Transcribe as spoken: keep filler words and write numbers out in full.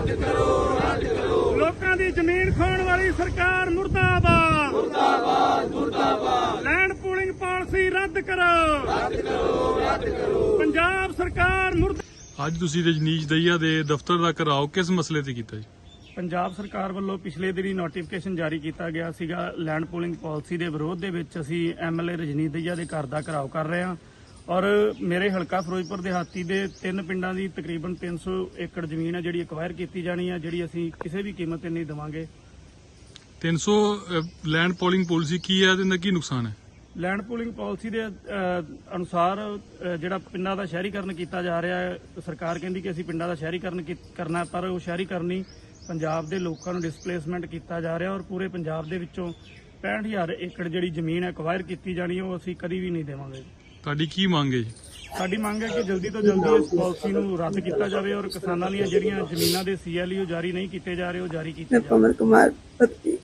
ਰੱਦ ਕਰੋ ਰੱਦ ਕਰੋ ਲੋਕਾਂ ਦੀ ਜ਼ਮੀਨ ਖਾਣ ਵਾਲੀ ਸਰਕਾਰ ਮੁਰਦਾਬਾਦ ਮੁਰਦਾਬਾਦ ਮੁਰਦਾਬਾਦ ਲੈਂਡ ਪੂਲਿੰਗ ਪਾਲਿਸੀ ਰੱਦ ਕਰੋ ਰੱਦ ਕਰੋ ਰੱਦ ਕਰੋ ਪੰਜਾਬ ਸਰਕਾਰ ਮੁਰਦਾ ਅੱਜ ਤੁਸੀਂ ਰਜਨੀਸ਼ ਦਹੀਆ ਦੇ ਦਫ਼ਤਰ ਦਾ ਘਿਰਾਓ ਕਿਸ ਮਸਲੇ ਤੇ ਕੀਤਾ ਜੀ? ਪੰਜਾਬ ਸਰਕਾਰ ਵੱਲੋਂ ਪਿਛਲੇ ਦਿਨੀ ਨੋਟੀਫਿਕੇਸ਼ਨ ਜਾਰੀ ਕੀਤਾ ਗਿਆ ਸੀਗਾ ਲੈਂਡ ਪੂਲਿੰਗ ਪਾਲਿਸੀ ਦੇ ਵਿਰੋਧ ਦੇ ਵਿੱਚ ਅਸੀਂ ਐਮਐਲਏ ਰਜਨੀਸ਼ ਦਹੀਆ ਦੇ ਘਰ ਦਾ ਘਿਰਾਓ ਕਰ ਰਹੇ ਹਾਂ ਔਰ ਮੇਰੇ ਹਲਕਾ ਫਿਰੋਜ਼ਪੁਰ ਦੇਹਾਤੀ ਦੇ ਤਿੰਨ ਪਿੰਡਾਂ ਦੀ ਤਕਰੀਬਨ ਤਿੰਨ ਸੌ ਏਕੜ ਜ਼ਮੀਨ ਹੈ ਜਿਹੜੀ ਐਕਵਾਇਰ ਕੀਤੀ ਜਾਣੀ ਹੈ, ਜਿਹੜੀ ਅਸੀਂ ਕਿਸੇ ਵੀ ਕੀਮਤ ਤੇ ਨਹੀਂ ਦੇਵਾਂਗੇ। ਤਿੰਨ ਸੌ ਲੈਂਡ ਪੋਲਿੰਗ ਪਾਲਿਸੀ ਕੀ ਹੈ ਤੇ ਇਹਦਾ ਕੀ ਨੁਕਸਾਨ ਹੈ? ਲੈਂਡ ਪੂਲਿੰਗ ਪਾਲਿਸੀ ਦੇ ਅ, ਅਨੁਸਾਰ ਅ, ਜਿਹੜਾ ਪਿੰਡਾਂ ਦਾ ਸ਼ਹਿਰੀਕਰਨ ਕੀਤਾ ਜਾ ਰਿਹਾ ਹੈ, ਸਰਕਾਰ ਕਹਿੰਦੀ ਕਿ ਅਸੀਂ ਪਿੰਡਾਂ ਦਾ ਸ਼ਹਿਰੀਕਰਨ ਕੀ- ਕਰਨਾ, ਪਰ ਉਹ ਸ਼ਹਿਰੀਕਰਨ ਨਹੀਂ, ਪੰਜਾਬ ਦੇ ਲੋਕਾਂ ਨੂੰ ਡਿਸਪਲੇਸਮੈਂਟ ਕੀਤਾ ਜਾ ਰਿਹਾ ਔਰ ਪੂਰੇ ਪੰਜਾਬ ਦੇ ਵਿੱਚੋਂ ਪੈਂਹਠ ਹਜ਼ਾਰ ਏਕੜ ਜਿਹੜੀ ਜ਼ਮੀਨ ਐਕਵਾਇਰ ਕੀਤੀ ਜਾਣੀ ਹੈ ਉਹ ਅਸੀਂ ਕਦੀ ਵੀ ਨਹੀਂ ਦੇਵਾਂਗੇ। ਤੁਹਾਡੀ ਕੀ ਮੰਗ ਹੈ ਜੀ? ਸਾਡੀ ਮੰਗ ਹੈ ਕਿ ਜਲਦੀ ਤੋਂ ਜਲਦੀ ਇਸ ਪਾਲਿਸੀ ਨੂੰ ਰੱਦ ਕੀਤਾ ਜਾਵੇ ਔਰ ਕਿਸਾਨਾਂ ਦੀਆਂ ਜਿਹੜੀਆਂ ਜ਼ਮੀਨਾਂ ਦੇ ਸੀਐਲਯੂ ਜਾਰੀ ਨਹੀਂ ਕੀਤੇ ਜਾ ਰਹੇ ਉਹ ਜਾਰੀ ਕੀਤੇ मैं ਜਾਣ। पवन कुमार पति